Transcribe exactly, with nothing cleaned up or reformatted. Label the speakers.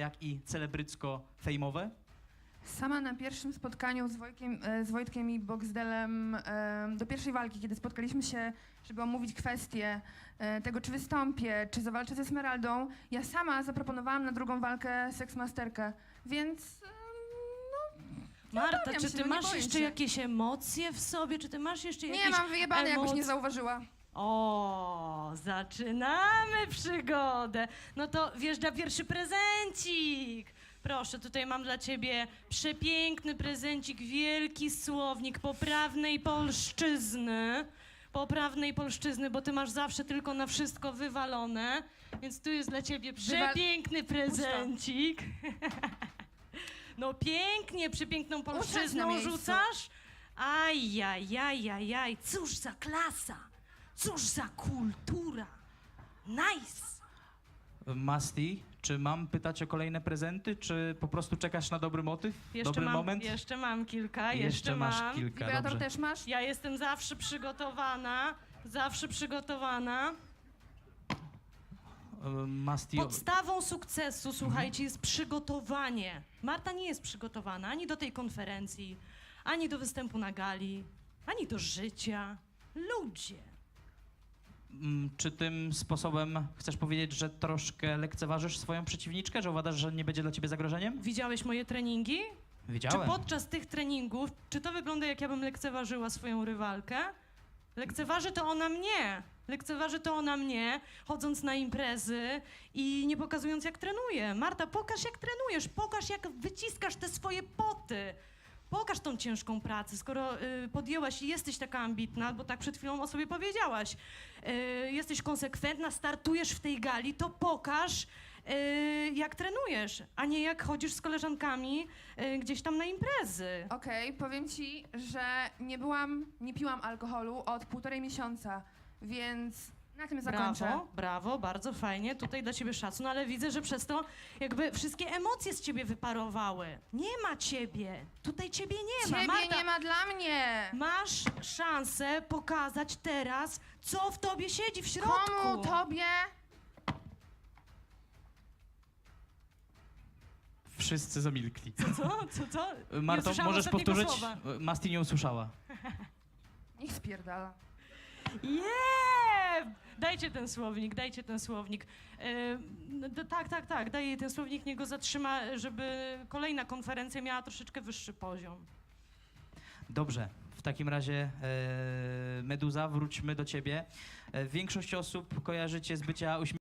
Speaker 1: jak i celebrycko-fejmowe?
Speaker 2: Sama na pierwszym spotkaniu z Wojtkiem, e, z Wojtkiem i Boxdelem e, do pierwszej walki, kiedy spotkaliśmy się, żeby omówić kwestię e, tego, czy wystąpię, czy zawalczę ze Esmeraldą, ja sama zaproponowałam na drugą walkę seksmasterkę, więc e, no...
Speaker 3: Marta,
Speaker 2: obawiam
Speaker 3: czy
Speaker 2: się,
Speaker 3: ty
Speaker 2: no nie
Speaker 3: masz
Speaker 2: boję
Speaker 3: jeszcze
Speaker 2: się.
Speaker 3: jakieś emocje w sobie? Czy ty masz jeszcze jakieś
Speaker 2: Nie, mam wyjebane, jakoś
Speaker 3: emocje?
Speaker 2: nie zauważyła.
Speaker 3: O, zaczynamy przygodę. No to wjeżdża pierwszy prezencik. Proszę, tutaj mam dla ciebie przepiękny prezencik, wielki słownik poprawnej polszczyzny. Poprawnej polszczyzny, bo ty masz zawsze tylko na wszystko wywalone. Więc tu jest dla ciebie przepiękny prezencik. No pięknie, przepiękną polszczyzną
Speaker 2: miejscu.
Speaker 3: rzucasz. Ajajajajaj, cóż za klasa, cóż za kultura. Nice.
Speaker 1: Masti, czy mam pytać o kolejne prezenty, czy po prostu czekasz na dobry motyw,
Speaker 3: Jeszcze
Speaker 1: dobry
Speaker 3: mam,
Speaker 1: moment?
Speaker 3: jeszcze mam kilka, jeszcze,
Speaker 1: Jeszcze masz
Speaker 3: mam.
Speaker 1: kilka,
Speaker 2: Wibrator
Speaker 1: dobrze.
Speaker 2: też masz?
Speaker 3: Ja jestem zawsze przygotowana, zawsze przygotowana.
Speaker 1: E, Masti, o-
Speaker 3: Podstawą sukcesu, słuchajcie, jest przygotowanie. Marta nie jest przygotowana ani do tej konferencji, ani do występu na gali, ani do życia. Ludzie.
Speaker 1: mm, czy tym sposobem chcesz powiedzieć, że troszkę lekceważysz swoją przeciwniczkę, że uważasz, że nie będzie dla ciebie zagrożeniem?
Speaker 3: Widziałeś moje treningi?
Speaker 1: Widziałem.
Speaker 3: Czy podczas tych treningów, czy to wygląda, jak ja bym lekceważyła swoją rywalkę? Lekceważy to ona mnie. Lekceważy to ona mnie, chodząc na imprezy i nie pokazując, jak trenuje. Marta, pokaż, jak trenujesz, pokaż, jak wyciskasz te swoje poty. Pokaż tą ciężką pracę, skoro y, podjęłaś i jesteś taka ambitna, bo tak przed chwilą o sobie powiedziałaś. Y, jesteś konsekwentna, startujesz w tej gali, to pokaż, y, jak trenujesz, a nie jak chodzisz z koleżankami y, gdzieś tam na imprezy.
Speaker 2: Okej, powiem ci, że nie byłam, nie piłam alkoholu od półtorej miesiąca, więc na tym zakończę.
Speaker 3: Brawo, brawo, bardzo fajnie, tutaj dla ciebie szacun, ale widzę, że przez to jakby wszystkie emocje z ciebie wyparowały. Nie ma ciebie, tutaj ciebie nie ma.
Speaker 2: Ciebie
Speaker 3: Marta,
Speaker 2: nie ma dla mnie!
Speaker 3: masz szansę pokazać teraz, co w tobie siedzi w środku.
Speaker 2: Komu tobie?
Speaker 1: Wszyscy zamilkli.
Speaker 3: Co, co, co? Nie
Speaker 1: Marto,
Speaker 3: usłyszałam
Speaker 1: możesz
Speaker 3: ostatniego
Speaker 1: powtórzyć?
Speaker 3: słowa.
Speaker 1: Masti nie usłyszała.
Speaker 2: Niech spierdala.
Speaker 3: Yeah! Dajcie ten słownik, dajcie ten słownik. E, no, d- tak, tak, tak, daj jej ten słownik, niech go zatrzyma, żeby kolejna konferencja miała troszeczkę wyższy poziom.
Speaker 1: Dobrze, w takim razie e, Meduza, wróćmy do ciebie. E, większość osób kojarzy cię z bycia uśmiechniętą.